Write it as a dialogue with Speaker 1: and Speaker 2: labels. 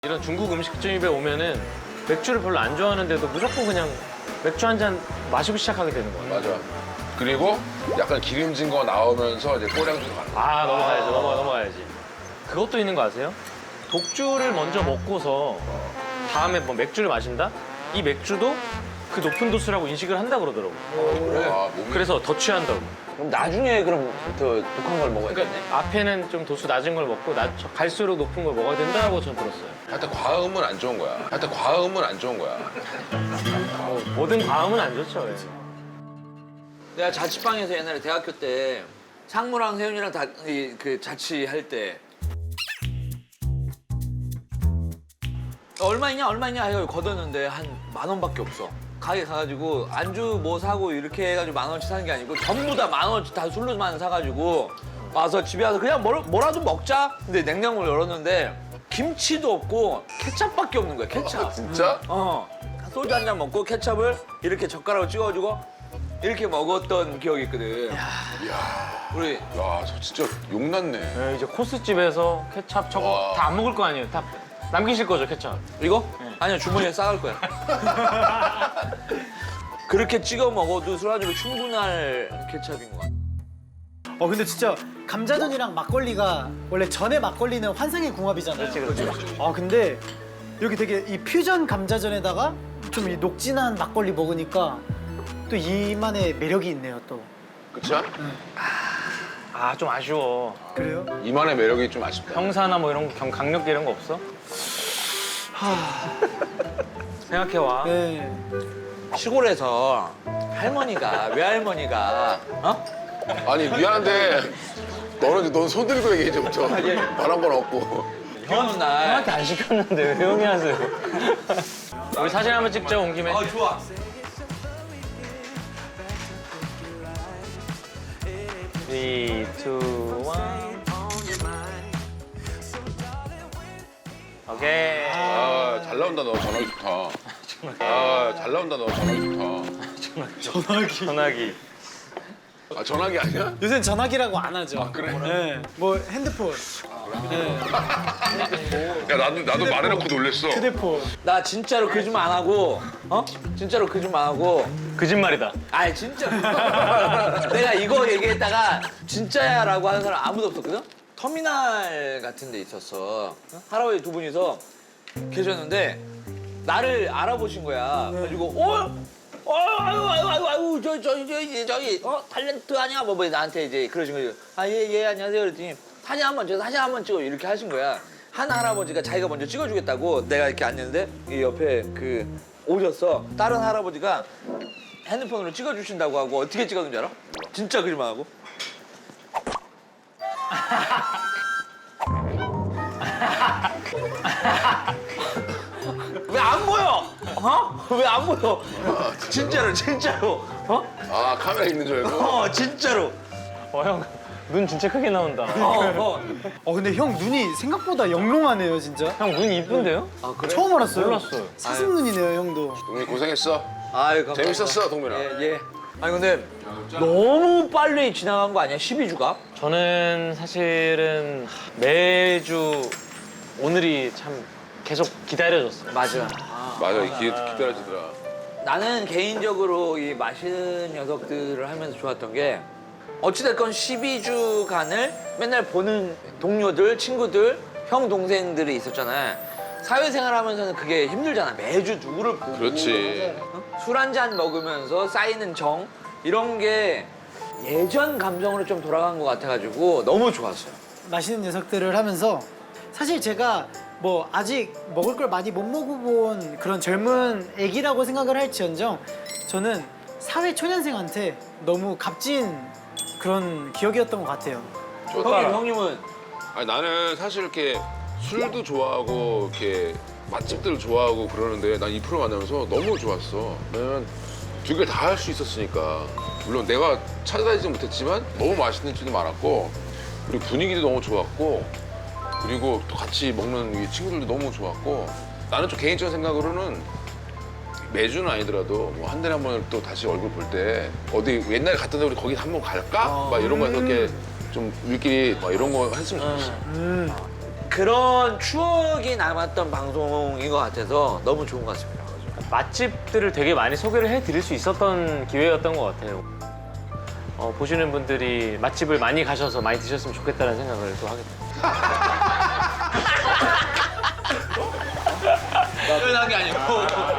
Speaker 1: 이런 중국 음식점에 오면은 맥주를 별로 안 좋아하는데도 무조건 그냥 맥주 한 잔 마시고 시작하게 되는 거예요.
Speaker 2: 맞아. 그리고 약간 기름진 거 나오면서 이제 꼬량주도 가는 거야.
Speaker 1: 아, 넘어가야지, 넘어가야지. 그것도 있는 거 아세요? 독주를 먼저 먹고서 다음에 뭐 맥주를 마신다? 이 맥주도 그 높은 도수라고 인식을 한다 그러더라고.
Speaker 2: 그래? 아, 몸이...
Speaker 1: 그래서 더 취한다고.
Speaker 3: 그럼 나중에 그럼 더 독한 걸 먹어야 돼?
Speaker 1: 그러니까 앞에는 좀 도수 낮은 걸 먹고 갈수록 높은 걸 먹어야 된다고 전 들었어요.
Speaker 2: 하여튼 과음은 안 좋은 거야. 하여튼 과음은 안 좋은 거야.
Speaker 1: 모든 과음은 안 좋죠. 예.
Speaker 3: 내가 자취방에서 옛날에 대학교 때 상무랑 세윤이랑 그 자취할 때 얼마 있냐 해서 걷었는데 한 10,000원밖에 없어. 가게 가가지고 안주 뭐 사고 이렇게 해가지고 10,000원치 사는 게 아니고 전부 다 10,000원치 다 술로만 사가지고 와서 집에 와서 그냥 뭐라도 먹자. 근데 냉장고를 열었는데 김치도 없고 케찹밖에 없는 거야. 케찹.
Speaker 2: 진짜?
Speaker 3: 소주 한 잔 먹고 케찹을 이렇게 젓가락으로 찍어주고 이렇게 먹었던 기억이 있거든. 우리
Speaker 2: 야, 저 진짜 욕났네.
Speaker 1: 네, 이제 코스집에서 케찹 저거
Speaker 2: 와.
Speaker 1: 다 안 먹을 거 아니에요. 다 남기실 거죠, 케찹.
Speaker 3: 이거? 아니요, 주머니에 싸갈 거야. 그렇게 찍어 먹어도 술안주로 충분할 케찹인 것 같아.
Speaker 4: 근데 진짜 감자전이랑 막걸리가 원래 전에 막걸리는 환상의 궁합이잖아요.
Speaker 1: 그렇지.
Speaker 4: 근데 여기 되게 이 퓨전 감자전에다가 좀 이 녹진한 막걸리 먹으니까 또 이만의 매력이 있네요, 또.
Speaker 2: 그치?
Speaker 1: 아, 좀 아쉬워.
Speaker 4: 그래요?
Speaker 2: 이만의 매력이 좀 아쉽다.
Speaker 1: 형사나 뭐 이런 거, 강력계 이런 거 없어? 생각해와.
Speaker 4: 네.
Speaker 3: 시골에서 외할머니가
Speaker 2: 아니, 미안한데 넌 손 들고 얘기해, 이제부터. 바란 건 없고.
Speaker 3: 비오는 날.
Speaker 1: 형한테 안 시켰는데 왜 형이 하세요? 우리 사진 한번 찍자, 온 김에.
Speaker 3: 좋아.
Speaker 1: 3, 2, 1. 오케이.
Speaker 2: 아, 잘 나온다, 너 전화기 좋다. 아, 잘 나온다, 너 전화기 좋다.
Speaker 1: 전화기.
Speaker 2: 아, 전화기 아니야?
Speaker 4: 요새는 전화기라고 안 하죠.
Speaker 2: 그래?
Speaker 4: 네. 뭐 핸드폰, 네.
Speaker 2: 야, 나도 말해놓고 놀랬어.
Speaker 4: 휴대폰.
Speaker 3: 나 진짜로 거짓말 안 하고, 진짜로 거짓말 안 하고.
Speaker 1: 거짓말이다.
Speaker 3: 아니, 진짜. 내가 이거 얘기했다가 진짜야라고 하는 사람 아무도 없었거든? 터미널 같은 데 있었어. 할아버지 두 분이서 계셨는데 나를 알아보신 거야. 그래가지고 아유, 저기, 탤런트 아니야? 뭐 나한테 이제 그러신 거예요. 예, 안녕하세요. 그랬더니 사진 한번 찍어. 이렇게 하신 거야. 한 할아버지가 자기가 먼저 찍어주겠다고 내가 이렇게 앉는데 이 옆에 오셨어. 다른 할아버지가 핸드폰으로 찍어주신다고 하고 어떻게 찍었는지 알아? 진짜 거짓말 하고. 왜 안 보여? 왜 안 보여? 진짜로.
Speaker 2: 아, 카메라 있는 줄 알고?
Speaker 3: 진짜로.
Speaker 1: 형, 눈 진짜 크게 나온다.
Speaker 4: 근데 형 눈이 생각보다 영롱하네요, 진짜.
Speaker 1: 형, 눈 이쁜데요?
Speaker 3: 아, 그래?
Speaker 4: 처음 알았어요.
Speaker 1: 몰랐어요.
Speaker 4: 사슴 눈이네요, 형도.
Speaker 2: 동민이 고생했어.
Speaker 3: 아유, 감사합니다.
Speaker 2: 재밌었어, 동민아.
Speaker 3: 예. 아니, 근데 너무 빨리 지나간 거 아니야? 12주가?
Speaker 1: 저는 사실은 매주 오늘이 참 계속 기다려졌어요.
Speaker 3: 맞아.
Speaker 2: 맞아, 기다려지더라.
Speaker 3: 나는 개인적으로 이 맛있는 녀석들을 하면서 좋았던 게 어찌됐건 12주간을 맨날 보는 동료들, 친구들, 형, 동생들이 있었잖아. 사회생활 하면서는 그게 힘들잖아. 매주 누구를 보고.
Speaker 2: 그렇지.
Speaker 3: 술 한 잔 먹으면서 쌓이는 정 이런 게 예전 감성으로 좀 돌아간 것 같아가지고 너무 좋았어요.
Speaker 4: 맛있는 녀석들을 하면서 사실 제가 뭐 아직 먹을 걸 많이 못 먹어본 그런 젊은 애기라고 생각을 할지언정 저는 사회 초년생한테 너무 값진 그런 기억이었던 것 같아요.
Speaker 3: 형님은
Speaker 2: 아니, 나는 사실 이렇게 술도 좋아하고 이렇게 맛집들 좋아하고 그러는데 난 이 프로 만나면서 너무 좋았어. 왜냐면 두 개 다 할 수 있었으니까. 물론 내가 찾아다니지 못했지만 너무 맛있는 집도 많았고 그리고 분위기도 너무 좋았고 그리고 또 같이 먹는 이 친구들도 너무 좋았고 나는 좀 개인적인 생각으로는 매주는 아니더라도 뭐 한 달에 한 번 또 다시 얼굴 볼 때 어디 옛날에 갔던 데 우리 거기 한번 갈까? 막 이런 거 해서 이렇게 좀 우리끼리 막 이런 거 했으면 좋겠어.
Speaker 3: 그런 추억이 남았던 방송인 것 같아서 너무 좋은 것 같습니다.
Speaker 1: 맛집들을 되게 많이 소개를 해드릴 수 있었던 기회였던 것 같아요. 보시는 분들이 맛집을 많이 가셔서 많이 드셨으면 좋겠다는 생각을 또 하게 돼요.
Speaker 3: 표현한 게 아니고.